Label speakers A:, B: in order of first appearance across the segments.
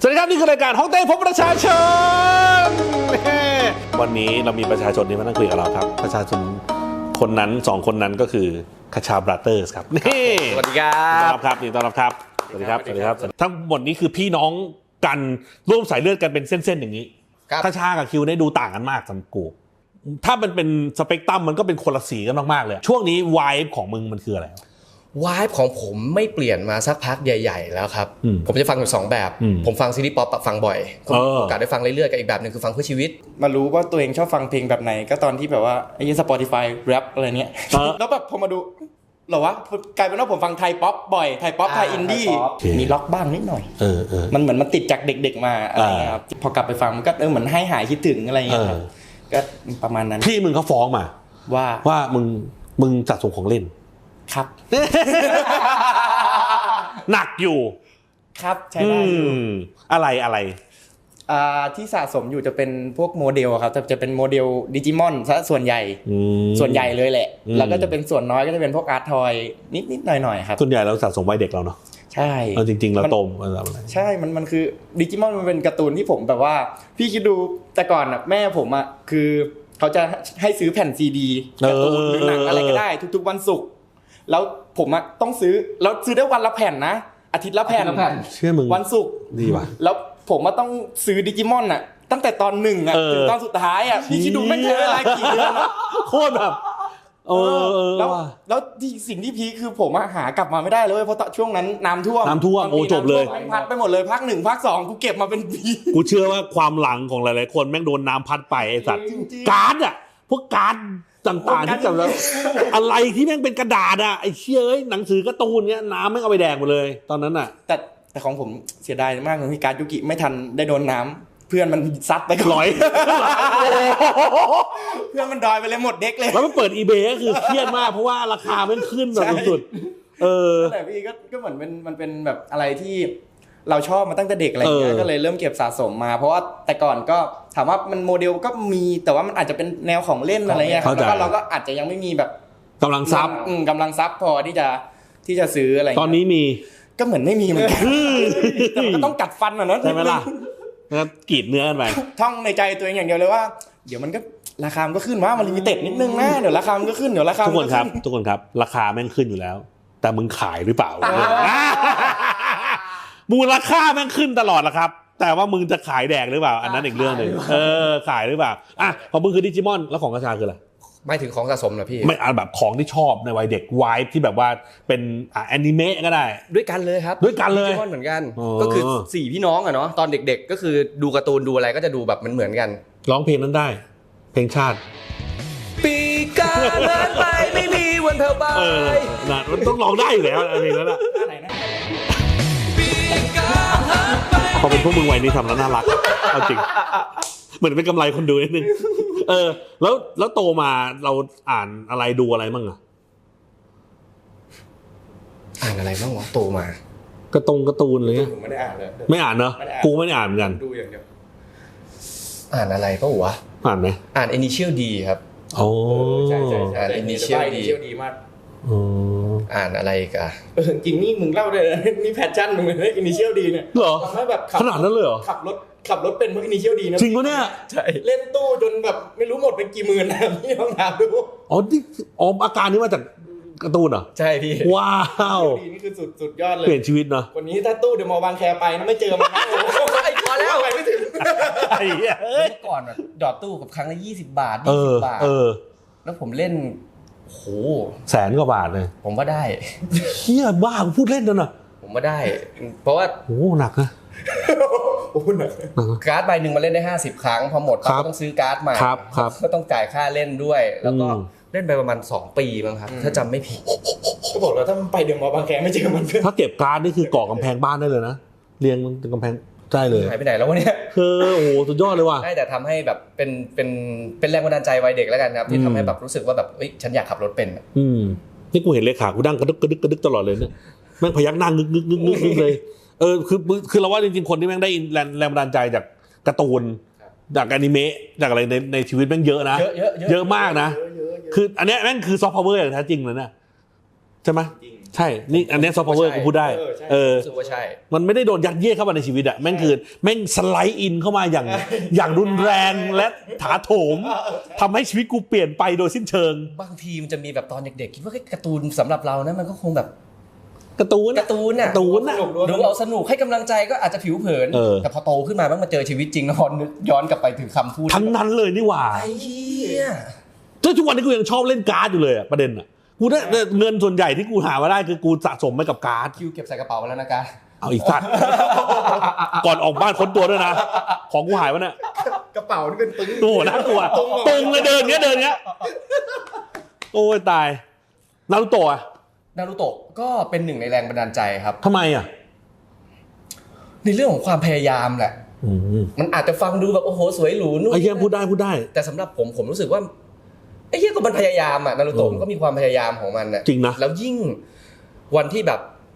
A: สวัสดีครับนี่คือรายการห้องเต้พบประชาชนวันนี้เรามีประชาชนที่มานั่งคุยกับเราครับประชาชนคนนั้น2คนนั้นก็คือคชาบราเตอร์สครับนี่
B: สวัสดีครับ
A: ต้อนรับครับนี่ต้อนรับครับสวัสดีครับสวัสดีครับทั้งหมดนี้คือพี่น้องกันร่วมสายเลือดกันเป็นเส้นๆอย่างนี้คชากับคิวได้ดูต่างกันมากสำหรับกูถ้ามันเป็นสเปกตรัมมันก็เป็นคนละสีกันมากๆเลยช่วงนี้ไวบ์ของมึงมันคืออะไร
B: วายของผมไม่เปลี่ยนมาสักพักใหญ่ๆแล้วครับผมจะฟังอยู่2แบบผมฟังซีรีส์ป๊อปฟังบ่อยผมโอกาสได้ฟังเรื่อยๆกับอีกแบบนึงคือฟังเพื่อชีวิต
C: มารู้ว่าตัวเองชอบฟังเพลงแบบไหนก็ตอนที่แบบว่าไอ้ Spotify แรปอะไรเนี้ยแล้วแบบพอมาดูเหรอวะกลายเป็นว่าผมฟังไทยป๊อปบ่อยไทยป๊อปไทยอินดี้มีล็อกบ้างนิดหน่อยมันเหมือนมันติดจากเด็กๆมาอะไรเงี้ยครับพอกลับไปฟังมันก็เหมือนให้หายคิดถึงอะไรเงี้ยก็ประมาณนั้น
A: พี่มึงเขาฟ้องมาว่ามึงสะสมของเล่น
C: ครับ
A: หนักอยู่
C: ครับใช่ได้อยู่
A: อะไร
C: ที่สะสมอยู่จะเป็นพวกโมเดลครับจะเป็นโมเดลดิจิมอนซะส่วนใหญ่เลยแหละแล้วก็จะเป็นส่วนน้อยก็จะเป็นพวกอาร์ตทอยนิดๆหน่อยๆครับ
A: ส่วนใหญ่เราสะสมวัยเด็กเราเนาะ
C: ใช่
A: จริงๆเราโต
C: ใช่มันคือดิจิมอนมันเป็นการ์ตูนที่ผมแบบว่าพี่คิดดูแต่ก่อนน่ะแม่ผมอ่ะคือเขาจะให้ซื้อแผ่นซีดีการ์ตูนหรือหนังอะไรก็ได้ทุกๆวันศุกร์แล้วผมอะต้องซื้อแล้วซื้อได้วันละแผ่นนะอาทิตย์ละแผ่น
A: เชื่อมึง
C: วันศุกร์
A: ดีว่ะ
C: แล้วผมอะต้องซื้อดิจิมอนอะตั้งแต่ตอน1อะถึงตอนสุดท้ายอะพี่คิดดูไม่ใช้เวลากี่เดือนอะ
A: โคตรแบบ
C: แล้วที่สิ่งที่พีคคือผมอะหากลับมาไม่ได้เลยเพราะช่วงนั้นน้ำท่วม
A: โอ้จบเลย
C: พัดไปหมดเลยภาค1ภาค2กูเก็บมาเป็นปี
A: กูเชื่อว่าความหลังของหลายๆคนแม่งโดนน้ำพัดไปไอ้สัตว์การ์ดอะพวกการ์ดต่างๆที่จำแล้วอะไรที่แม่งเป็นกระดาษอะไอ้เชี่ยหนังสือการ์ตูนเงี้ยน้ำแม่งเอาไปแดกหมดเลยตอนนั้นอะ
C: แต่ของผมเสียดายมากเลยที่การ์ดยุกิไม่ทันได้โดนน้ำเพื่อนมันซัดไปก่อนเพื่อนมันดอยไปเลยหมดเด็กเลย
A: แล้วมันเปิด eBay ก็คือเครียดมากเพราะว่าราคามันขึ้นแบบสุด
C: แต่พี่ก็เหมือนมันเป็นแบบอะไรที่เราชอบมาตั้งแต่เด็กอะไรอย่างเงี้ยก็เลยเริ่มเก็บสะสมมาเพราะว่าแต่ก่อนก็ถามว่ามันโมเดลก็มีแต่ว่ามันอาจจะเป็นแนวของเล่นอะไรเงี้ยแล้วก็เราก็อาจจะยังไม่มีแบบ
A: กำลังทรั
C: พย์พอที่จะซื้ออะไร
A: ตอนนี้มี
C: ก็เหมือนไม่มีเหมือนกันแต่มันก็ต้องกัดฟันอ่ะเนาะ
A: ใช่ไหมล่ะแล้วกรีดเนื้อกันไป
C: ท่องในใจตัวเองอย่างเดียวเลยว่าเดี๋ยวมันก็ราคามันก็ขึ้นว่ามันลิมิเต็ดนิดนึงนะเดี๋ยวราคามันก็ขึ้นเดี๋ยวราคา
A: ทุกคนครับราคาแม่งขึ้นอยู่แล้วแต่มึงขายหรือเปล่ามูลค่าแม่งขึ้นตลอดละครับแต่ว่ามึงจะขายแดกหรือเปล่าอันนั้นอีกเรื่องนึงขายหรือเปล่าอ่ะของมึงคือดิจิมอนแล้วของกระชาคืออะไร
B: ไม่ถึงของสะสมนะพี่
A: ไม่แบบของที่ชอบในวัยเด็กไวท์ที่แบบว่าเป็นแอนิเมะก็ได้
B: ด้วยกันเลยครับ
A: ด้วยกันเลย
B: ดิจิมอนเหมือนกันก็คือ4พี่น้องอะเนาะตอนเด็กๆก็คือดูการ์ตูนดูอะไรก็จะดูแบบเหมือนกัน
A: ร้องเพลงนั้นได้เพลงชาติ
B: ปีกาเดินไปไม่มีวันเธอไป
A: นะมันต้องร้องได้อยู่แล้วอะไรนั้นอะพอเป็นพวกมึงวัยนี้ทำแล้วน่ารักเอาจริงเหมือนเป็นกำไรคนดูนิดนึงแล้วโตมาเราอ่านอะไรดูอะไรมั่งอะ
B: อ่านอะไรบ้างวะโตมา
A: การ์ตูนอะไรเงี้ย
C: ผมไม่ได้อ่านเลย
A: ไม่อ่านเนอะกูไม่ได้อ่านเหมือนกัน
C: ดูอย่างเดียว
B: อ่านอะไรป่ะวะ
A: อ่านไหม
B: อ่าน Initial D ครับ
A: โอ้
C: ใช่
B: อ่าน Initial
C: D มาก
B: อ่านอะไรกัน
C: จริงนี่มึงเล่าได้นี่แพชชั่นมึงเลย Initial D เนี่ย
A: เหรอ
C: ทำให้แบบ
A: ขนาดนั้นเลยเหรอ
C: ขับรถเป็นเพราะ Initial D นะ
A: จริงปะเนี่ย
C: ใช่เล่นตู้จนแบบไม่รู้หมดไปกี่หมื่นนะพี่ลองถามดู
A: อาการนี้มาจากการ์ตูนเหรอ
B: ใช่พี่
A: ว้าว
C: นี่คือสุดยอดเลย
A: เปลี่ยนชีวิตเนาะ
C: วันนี้ถ้าตู้เดอะมอลล์บางแคไปนะไม่เจอมันนะ
B: ไอ้พอแล้ว
C: ไปไม่ถึง
A: ไอ้เหี้ย
B: เมื่อก่อนแบบดอดตู้กับครั้งละ20 บาท20 บาทแล้วผมเล่นโห
A: 100,000 กว่าบาทเลย
B: ผมว่าได้
A: เหี้ยบ้าพูดเล่นนั่นน่ะ
B: ผมว่าได้เพราะว่า
A: โอ้หนักนะ
B: การ์ดใบนึงมาเล่นได้50 ครั้งพอหมดก็ต้องซื้อการ์ดใหม่ก็ต้องจ่ายค่าเล่นด้วยแล้วก็เล่นไปประมาณ2 ปีมั้งครับถ้าจำไม่ผิด
C: ก็บอกแล้วถ้ามันไปเดอะมอลล์บางแคไม่เจอมัน
A: ถ้าเก็บการ์ดนี่คือก่อกำแพงบ้านได้เลยนะเรียงมันกำแพงใช่เลย
B: หายไปไหนแล้ววะเนี่ย
A: โอ้สุดยอดเลยว่ะ
B: ได้แต่ทำให้แบบเป็นแรงบันดาลใจวัยเด็กแล้วกันครับที่ทำให้แบบรู้สึกว่าแบบเอ้ยฉันอยากขับรถเป็น
A: นี่กูเห็นเลขากูดังกระดึกตลอดเลยเนี่ยแม่งพยักหน้างึกเลยคือเราว่าจริงๆคนที่แม่งได้แรงบันดาลใจจากการ์ตูนจากอนิเมะจากอะไรในชีวิตแม่งเยอะนะเยอะมากนะคืออันนี้แม่งคือซอฟต์พาวเวอร์อย่างแท้จริงเลยนะใช่ไหมใช่นี่อันนี้ซอฟต์พาวเวอร์กูพูดได้
B: รู้สึกว่าใช่
A: มันไม่ได้โดนยัดเยียดเข้ามาในชีวิตอะแม่งคือแม่งสไลด์อินเข้ามาอย่างรุนแรงและถาโถมทำให้ชีวิตกูเปลี่ยนไปโดยสิ้นเชิง
B: บางทีมันจะมีแบบตอนเด็กๆคิดว่าการ์ตูนสำหรับเรานะมันก็คงแบบ
A: การ์ตูนน่ะ
B: ดูเอาสนุกให้กำลังใจก็อาจจะผิวเผินแต่พอโตขึ้นมาบ้างมาเจอชีวิตจริงแล้วนึกย้อนกลับไปถึงคำพูด
A: ทั้งนั้นเลยนี่หว่า
B: ไอ้เหี้ย
A: ทุกวันนี้กูยังชอบเล่นการ์ดอยู่เลยอะประเด็นอะกูได้เงินส่วนใหญ่ที่กูหามาได้คือกูสะสมไปกับการ์ด
B: คิวเก็บใส่กระเป๋าแล้วนะการ์ด
A: เอาอีกสัตว์ก่อนออกบ้านค้นตัวด้วยนะของกูหายวะเนี่ย
C: กระเป๋านี่เป็นปึ้ง
A: โอ้น่ากลัวตรงเลยเดินเงี้ยโอ้ยตายนารูโตะ
B: ก็เป็นหนึ่งในแรงบันดาลใจครับ
A: ทำไมอ่ะ
B: ในเรื่องของความพยายามแหละมันอาจจะฟังดูแบบโอ้โหสวยหรูนู่น
A: ไอ้เหี้ยพูดได้
B: แต่สำหรับผมรู้สึกว่าไอ้เหี้ยก็มันพยายามอ่ะนารูโตะมันก็มีความพยายามของมันน่ะ
A: จริงนะ
B: แล้วยิ่งวันที่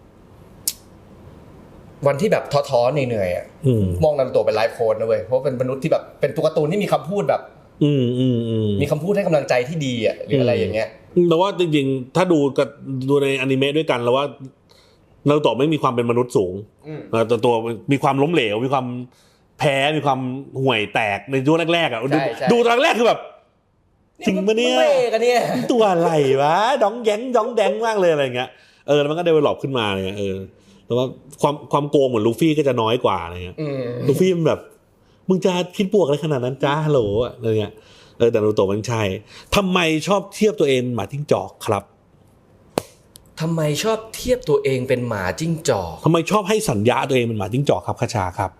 B: แบบท้อๆเหนื่อยๆอ่ะมองนารูโตะเป็นไลฟ์โค้ชนะเว้ยเพราะเป็นมนุษย์ที่แบบเป็นตัวการ์ตูนที่มีคำพูดแบบมีคำพูดให้กำลังใจที่ดีอ่ะหรืออะไรอย่างเงี้ย
A: แต่ว่าจริงๆถ้าดูในอนิเมะด้วยกันแล้วว่านารูโตะไม่มีความเป็นมนุษย์สูงตัวมีความล้มเหลวมีความแพ้มีความห่วยแตกในช่วงแรกๆอ่ะดูตอนแรกคือแบบจริงปะเนี่ยตัวอะไรวะดองแดงมากเลยอะไรเงี้ยแล้วมันก็เดเวลลอปขึ้นมาเลยแต่ว่าความโกงเหมือนลูฟี่ก็จะน้อยกว่าอะไรเงี้ยลูฟี่มันแบบมึงจะคิดบวกอะไรขนาดนั้นจ้าฮัลโหลอะไรเงี้ยแต่นารูโตะมันใช่ทำไมชอบเทียบตัวเองหมาจิ้งจอกครับ
B: ทำไมชอบเทียบตัวเองเป็นหมาจิ้งจอก
A: ทำไมชอบให้สัญญาตัวเองเป็นหมาจิ้งจอกครับคชาครับ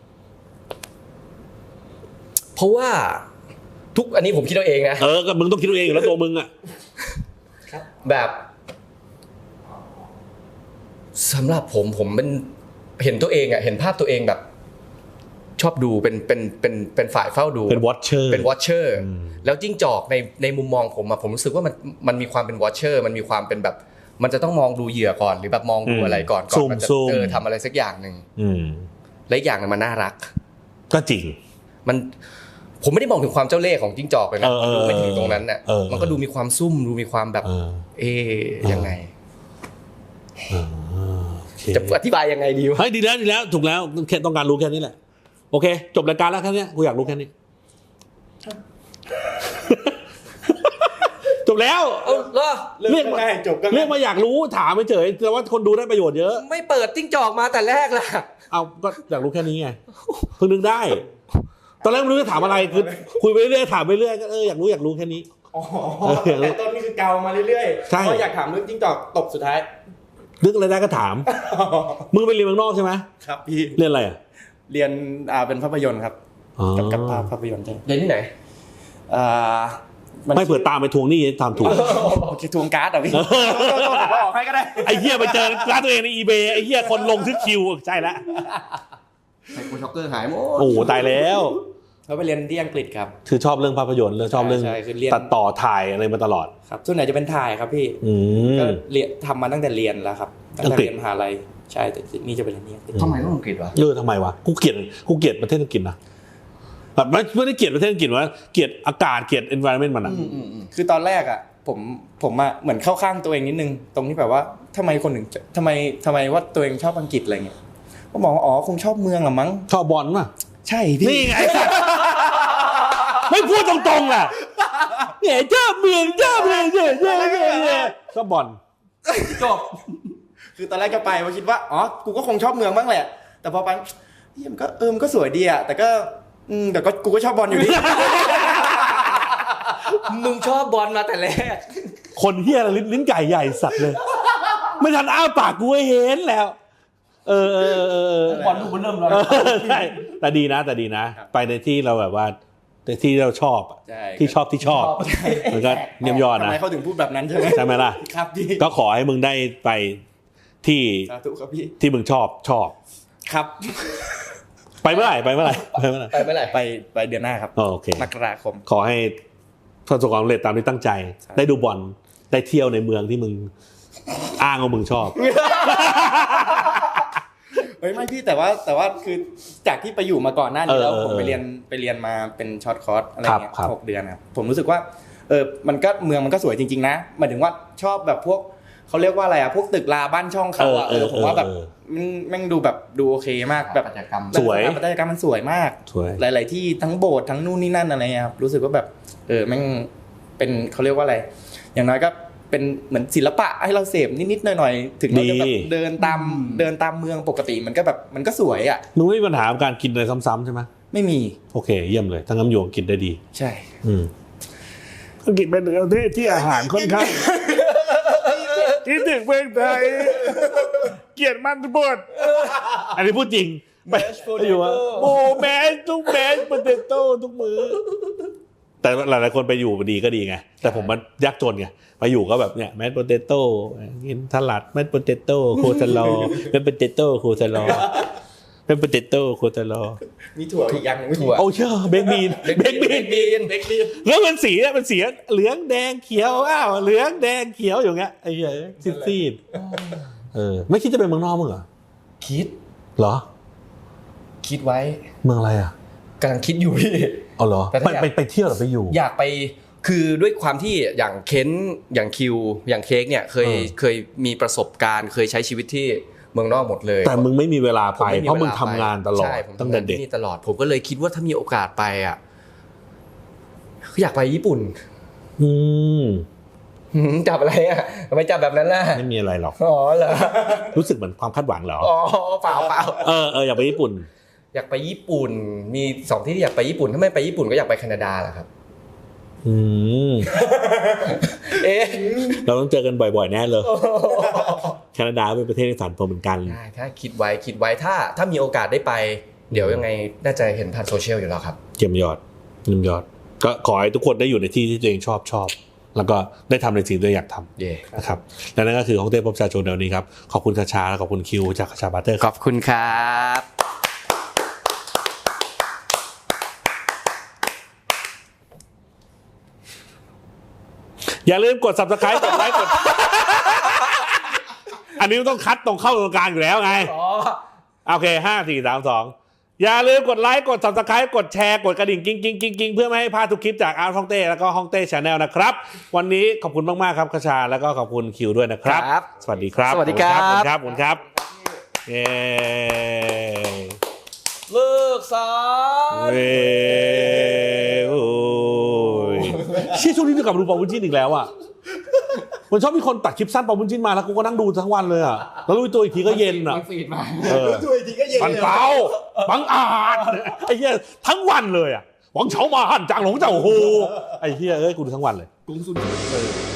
B: เพราะว่าอันนี้ผมคิดเอาเองนะ
A: ก็มึงต้องคิดเอาเองอยู่แล้วตัวมึงอ่ะ
B: แบบสำหรับผมมันเห็นตัวเองอ่ะเห็นภาพตัวเองแบบชอบดูเป็นฝ่ายเฝ้าดู
A: เป็นวอชเชอร์
B: แล้วจิ้งจอกในมุมมองผมรู้สึกว่ามันมีความเป็นวอชเชอร์มันมีความเป็นแบบมันจะต้องมองดูเหยื่อก่อนหรือแบบมองดูอะไรก่อนมันจะทำอะไรสักอย่างนึงและอีกอย่างนึงมันน่ารัก
A: ก็จริง
B: ผมไม่ได้มองถึงความเจ้าเล่ห์ของจิ้งจอกเลยนะดูไปถึงตรงนั้นน่ะมันก็ดูมีความซุ่มดูมีความแบบยังไงจะอธิบายยังไงดีวะ
A: ดีแล้วถูกแล้วแค่ต้องการรู้แค่นี้แหละโอเคจบรายการแล้วแค่นี้กูอยากรู้แค่นี้จบแล้วเรื่องมาจบกันเรื่องมาอยากรู้ถามไปเฉยแต่ว่าคนดูได้ประโยชน์เยอะ
B: ไม่เปิดจิ้งจอกมาแต่แรกล่ะ
A: เอาก็อยากรู้แค่นี้ไงเพิ่งนึกได้ตอนแรกไม่รู้จะถามอะไรคือคุยไปเรื่อยถามไปเรื่อยก็อยากรู้แค่นี้
C: แต่ต้นนี่คือเกามาเรื่อยๆเพราะอยากถามเรื่องจิ้งจอกตบสุดท้าย
A: นึกอะไรได้ก็ถามมึงไปเรียนเมืองนอกใช่ไหม
C: ครับพี่
A: เรียนอะไรอ่ะ
C: เรียนเป็นภาพยนตร์ครับกับภาพยนตร์ใช่
B: เรียนที่ไหน
A: ไม่เผื่อตามไปทวงหนี้ตามถูก
C: โอเคทวงการ์ดอ่ะพี่บอกให้ก็ได้
A: ไอ้เหี้ยไปเจอร้านตัวเองใน eBay ไอ้เหี้ยคนลงทึกคิวใช่แล้ว
B: ไอ้โคช็อกเกอร์หายหมด
A: โอ้ตายแล้ว
C: เขาไปเรียนที่อังกฤษครับ
A: คือชอบเรื่องภาพยนตร์แล้วชอบเรื่องตัดต่อถ่ายอะไรมาตลอด
C: ครับส่วนไหนจะเป็นถ่ายครับพี่ก็เรียนทำมาตั้งแต่เรียนแล้วครับตั้งแต่เรียนมหาลัยใช่แต่นี่จะเป็นเรียน
B: ทำไมต้องอังกฤษวะ
A: ทำไมวะกูเกลียดประเทศอังกฤษนะแบบไม่ได้เกลียดประเทศอังกฤษว่าเกลียดอากาศเกลียด environment มันอ่ะ
C: คือตอนแรกอ่ะผมอ่ะเหมือนเข้าข้างตัวเองนิดนึงตรงที่แบบว่าทำไมคนถึงทำไมว่าตัวเองชอบอังกฤษอะไรเงี้ยก็มองว่าคงชอบเมืองหรอมั้ง
A: ชอบบอลป่ะ
C: ใช่พี่
A: นี่ไงไม่พูดตรงๆล่ะเนี่ยเจ้าเมืองเชอบบอล
C: จบคือตอนแรกก็ไปว่าคิดว่ากูก็คงชอบเมืองบ้างแหละแต่พอไปมันก็มันก็สวยดีอ่ะแต่ก็กูก็ชอบบอลอยู่ดี
B: มึงชอบบอลมาแต่แรก
A: คนเหี้ยลิ้นไก่ใหญ่สัตว์เลยไม่ทันอ้าปากกูเห็นแล้ว
B: บอลลูกมันเริ่มแล้ว
A: ใช่แต่ดีนะไปในที่เราแบบว่าในที่เราชอบที่ชอบมันก็เยี่ยมยอดนะ
C: ทำไมเขาถึงพูดแบบนั้นใช่
A: ไหมล่ะ
C: ครับพี่
A: ก็ขอให้มึงได้ไปที่ที่มึงชอบ
C: ครับ
A: ไปเมื่อไหร่ไปเ
C: ดือนหน้าครับ
A: โอเค
C: มกราคม
A: ขอให้ประสบความสำเร็จตามที่ตั้งใจได้ดูบอลได้เที่ยวในเมืองที่มึงอ้างว่ามึงชอบ
C: ไม่พี่แต่ว่าคือจากที่ไปอยู่มาก่อนหน้านี้แล้วผมไปเรียนมาเป็นช็อตคอร์สอะไรเงี้ย6 เดือนครับผมรู้สึกว่ามันก็เมืองมันก็สวยจริงๆนะหมายถึงว่าชอบแบบพวกเขาเรียกว่าอะไรอะพวกตึกราบ้านช่องเขาอะผมว่าแบบแม่งดูแบบดูโอเคมากแบบ
B: ปัตยกรรม
A: สวย
C: ปัตยกรรมมันสวยมาก
A: สวย
C: หลาย ๆ ที่ทั้งโบสถ์ทั้งนู่นนี่นั่นอะไรเงี้ยครับรู้สึกว่าแบบแม่งเป็นเขาเรียกว่าอะไร อย่างน้อยก็เป็นเหมือนศิลปะให้เราเสพนิด ๆ หน่อย ๆ ถึงเราจะแบบเดินตามเมืองปกติมันก็แบบมันก็สวยอ่ะ
A: มึงไม่มีปัญหากับการกินอะไรซ้ำๆใช่ไหม
C: ไม่มี
A: โอเคเยี่ยมเลยทั้งน้ำโยงกินได้ดี
C: ใช่
A: อังกฤษเป็นประเทศที่อาหารค่อนข้างคิดถึงเมืองไทยเกลียดมันทุกบทอันนี้พูดจริงไปอยู่ว่าโอ้แมสทุกแมสโปเตโต้ทุกมื้อแต่หลายๆคนไปอยู่ดีก็ดีไงแต่ผมมันยากจนไงไปอยู่ก็แบบเนี่ยแมสโปเตโต้กินสลัดแมสโปเตโต้โคซาลอแมสโปเตโต้โคซาลอแมสโปเตโต้โคซาลอ
C: มีถั่วอีกอย่างนึง
B: ถั่ว
A: โอ้เชื่อเบคบีนแล้วมันสีเนี่ยมันสีเหลืองแดงเขียวอ้าวเหลืองแดงเขียวอย่างเงี้ยไอ้เหี้ยซีดๆไม่คิดจะไปเมืองนอกมึงเหรอ
B: คิด
A: เหรอ
B: คิดไว้
A: เมืองอะไรอ่ะ
B: กำลังคิดอยู่พี่
A: เอาเหรอ
B: แต่ถ้าอยาก
A: ไปเที่ยวหรือไปอยู่
B: อยากไปคือด้วยความที่อย่างเค้นอย่างคิวอย่างเค้กเนี่ยเคยมีประสบการณ์เคยใช้ชีวิตที่เมืองนอกหมดเลย
A: แต่มึงไม่มีเวลาไป
B: ผ
A: เพราะมึงทำงานตลอด
B: ใช่ผม
A: ตั้ง
B: ทำ
A: แต่
B: งาน
A: เด็ก
B: ที่นี่ตลอดผมก็เลยคิดว่าถ้ามีโอกาสไปอ่ะอยากไปญี่ปุ่น
A: อืม
B: จับอะไรอ่ะทำไมจับแบบนั้นล่ะ
A: ไม่มีอะไรหรอก
B: อ๋อเหรอ
A: รู้สึกเหมือนความคาดหวังเหรอ
B: อ๋อเปล่า
A: อยากไปญี่ปุ่น
B: อยากไปญี่ปุ่นมี2ที่ที่อยากไปญี่ปุ่นถ้าไม่ไปญี่ปุ่นก็อยากไปแคนาดาแหละครับ
A: อืม
B: เอ๊ะ
A: เราต้องเจอกันบ่อยๆแน่เลยแคนาดาเป็นประเทศที่ฝันผมเหมือนกัน
B: ได้ถ้าคิดไว้ถ้ามีโอกาสได้ไปเดี๋ยวยังไงน่าจะเห็นผ่านโซเชียลอยู่แล้วครับ
A: เยี่ยมยอดก็ขอให้ทุกคนได้อยู่ในที่ที่ตัวเองชอบแล้วก็ได้ทำในสิ่งที่ตัวเองอยากทำ
B: เย่
A: นะครับและนั่นก็คือของเต้พบประชาชนเดี๋ยวนี้ครับขอบคุณคาชาและขอบคุณคิวจากคาชาบัตเตอร์
B: ขอบคุณครับ
A: อย่าลืมกด Subscribe กดไลค์กด อันนี้ต้องคัดตรงเข้าตรงกลางอยู่แล้วไงโอเค5 4 3 2อย่าลืมกดไลค์กด Subscribe กดแชร์กดกระดิ่งกิ้งเพื่อไม่ให้พลาดทุกคลิปจากอาร์ตฮ่องเต้แล้วก็ฮ่องเต้ Channel นะครับวันนี้ขอบคุณมากๆครับคาชาแล้วก็ขอบคุณคิวด้วยนะครับสวัสดีครับ
B: สวัสดีครับ
A: ขอบคุณครับเย้
B: เลิกสา
A: เว้ยโอ้ยเชี่ยช่วงนี้จะกลับมาดูปอบุญจิ้นอีกแล้วอ่ะมันชอบมีคนตัดคลิปสั้นปอบุญจิ้นมาแล้วกูก็นั่งดูทั้งวันเลยอ่ะแล้วรู้ตัวอีกทีก็เย็นอ่ะ
B: ฟีดมา
C: ถั่วอีกทีก็เย็น
A: ปันเปาบังอาจไอ้เหี้ยทั้งวันเลยอ่ะหวังเฉามาหั่นจางหลงเจ้าโหไอ้เหี้ยเอ้ยกูดูทั้งวันเลย
C: กุ้งซุน